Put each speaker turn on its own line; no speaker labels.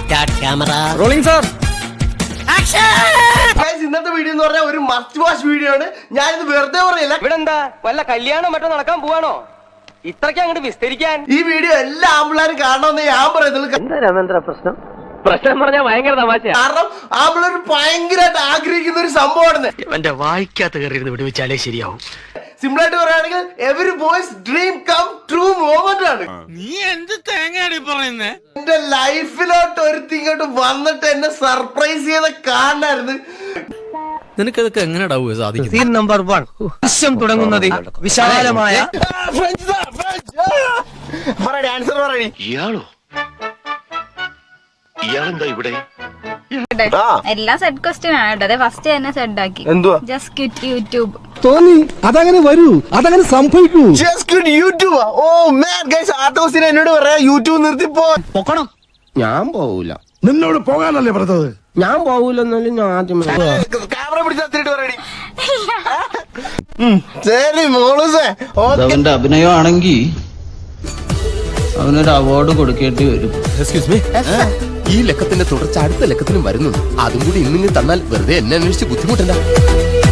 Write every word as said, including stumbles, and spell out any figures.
Start camera
rolling sir.
ഇന്നത്തെ video എന്ന് പറഞ്ഞാൽ ഒരു മസ്റ്റ് വാച്ച് വീഡിയോ ആണ്. ഞാനിത് വെറുതെ പറയില്ല.
ഇവിടെ എന്താ വല്ല കല്യാണം മറ്റോ നടക്കാൻ പോവാണോ ഇത്രയ്ക്ക് അങ്ങോട്ട് വിസ്തരിക്കാൻ?
ഈ വീഡിയോ എല്ലാ ആമ്പിള്ളേരും കാണണമെന്ന് ഞാൻ പറയുന്നത്.
എന്താ രാമേന്ദ്ര പ്രശ്നം? പ്രശ്നം പറഞ്ഞാൽ ഭയങ്കര തമാശ.
കാരണം ആമ്പിള്ളേർ ഭയങ്കരമായിട്ട് ആഗ്രഹിക്കുന്ന ഒരു സംഭവമാണ്.
എന്റെ വായിക്കാത്ത കയറി വിടുവിച്ചാലേ ശരിയാവും.
സിമ്പിൾ ആയിട്ട് പറയുകയാണെങ്കിൽ every boys dream come true moment ആണ്.
നീ എന്ത് തേങ്ങയാടി പറയുന്നേ?
എന്റെ ലൈഫിലോട്ട് ഒരുത്തി ഇങ്ങോട്ട് വന്നിട്ട് എന്നെ സർപ്രൈസ് ചെയ്ത കാണായിരുന്നു.
നിനക്കതൊക്കെ എങ്ങനെയാ സാധിക്കും?
Scene number one. ദൃശ്യം തുടങ്ങുന്നത് വിശാലമായ
ആൻസർ പറയണി.
ഇയാളോ ഇയാളെന്താ ഇവിടെ?
എല്ലാ സെഡ് ക്വസ്റ്റ്യൻ ആണ് കേട്ടോ. അതെ ഫസ്റ്റ് തന്നെ സെഡ് ആക്കി.
എന്തുവാ?
Just quit YouTube.
തോന്നി അതങ്ങനെ വരൂ, അതങ്ങനെ സംഭവിക്കൂ.
യൂട്യൂബ്. ഓ മാൻ ഗയ്സ്, ആർട്ടോസിനെ എന്നോട് പറയാ യൂട്യൂബ് നിർത്തി പോ.
പൊക്കണം.
ഞാൻ പോവൂല.
നിന്നോട് പോകാനല്ലേ പറഞ്ഞത്?
ഞാൻ പോവൂലെന്നാലും ഞാൻ ആദ്യം
ക്യാമറ പിടിച്ചിട്ട് പറയണി. ശരി മോളൂസേ.
അവന്റെ അഭിനയമാണെങ്കിൽ അവനൊരു അവാർഡ് കൊടുക്കേണ്ടി വരും.
എക്സ്ക്യൂസ് മീ, ഈ ലക്കത്തിന്റെ തുടർച്ച അടുത്ത ലക്കത്തിനും വരുന്നുണ്ട്. അതും കൂടി ഇന്നിങ്ങ് തന്നാൽ വെറുതെ എന്നെ അന്വേഷിച്ച് ബുദ്ധിമുട്ടണ്ട.